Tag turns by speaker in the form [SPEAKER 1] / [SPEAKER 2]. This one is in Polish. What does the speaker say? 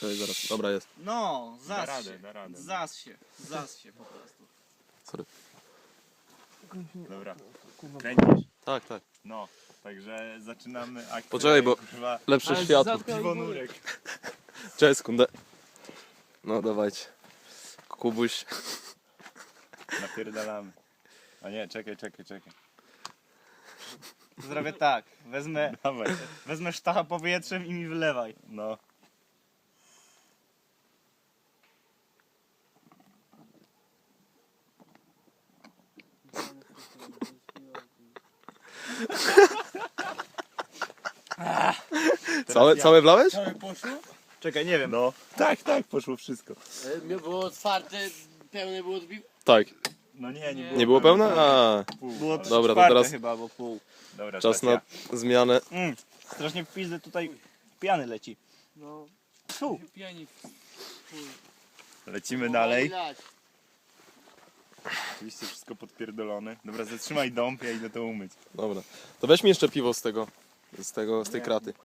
[SPEAKER 1] Czekaj, zaraz. Dobra, jest.
[SPEAKER 2] No,
[SPEAKER 3] Da radę, da radę.
[SPEAKER 2] Zas się po prostu.
[SPEAKER 1] Sorry.
[SPEAKER 3] Dobra. Kręcisz?
[SPEAKER 1] Tak, tak.
[SPEAKER 3] No. Także zaczynamy akcję.
[SPEAKER 1] Poczekaj, bo-
[SPEAKER 3] Kurwa,
[SPEAKER 1] Lepsze światło.
[SPEAKER 3] piwonurek.
[SPEAKER 1] Cześć, sekundę. No, dawajcie. Kubuś.
[SPEAKER 3] Napierdalamy. A nie, czekaj.
[SPEAKER 2] Zrobię tak,
[SPEAKER 3] Dawaj.
[SPEAKER 2] wezmę sztacha powietrzem i mi wylewaj.
[SPEAKER 3] No.
[SPEAKER 1] Całe wlałeś?
[SPEAKER 4] Całe poszło?
[SPEAKER 2] Czekaj, nie wiem.
[SPEAKER 3] No. Tak, poszło wszystko.
[SPEAKER 4] Było otwarte, pełne było odbił.
[SPEAKER 1] Tak.
[SPEAKER 3] No nie
[SPEAKER 1] Nie było pełne? A,
[SPEAKER 3] Pół,
[SPEAKER 2] Było
[SPEAKER 3] ale-
[SPEAKER 1] Dobra, to
[SPEAKER 2] czwarte
[SPEAKER 1] teraz-
[SPEAKER 2] chyba, bo pół.
[SPEAKER 3] Dobra,
[SPEAKER 1] czas
[SPEAKER 3] stacja.
[SPEAKER 1] na zmianę.
[SPEAKER 2] Strasznie w pizdę tutaj piany leci.
[SPEAKER 4] No,
[SPEAKER 2] Fu.
[SPEAKER 4] piani.
[SPEAKER 3] Lecimy dalej. Oczywiście wszystko podpierdolone. Dobra, zatrzymaj dąb, ja idę to umyć.
[SPEAKER 1] Dobra. To weź mi jeszcze piwo z tej kraty.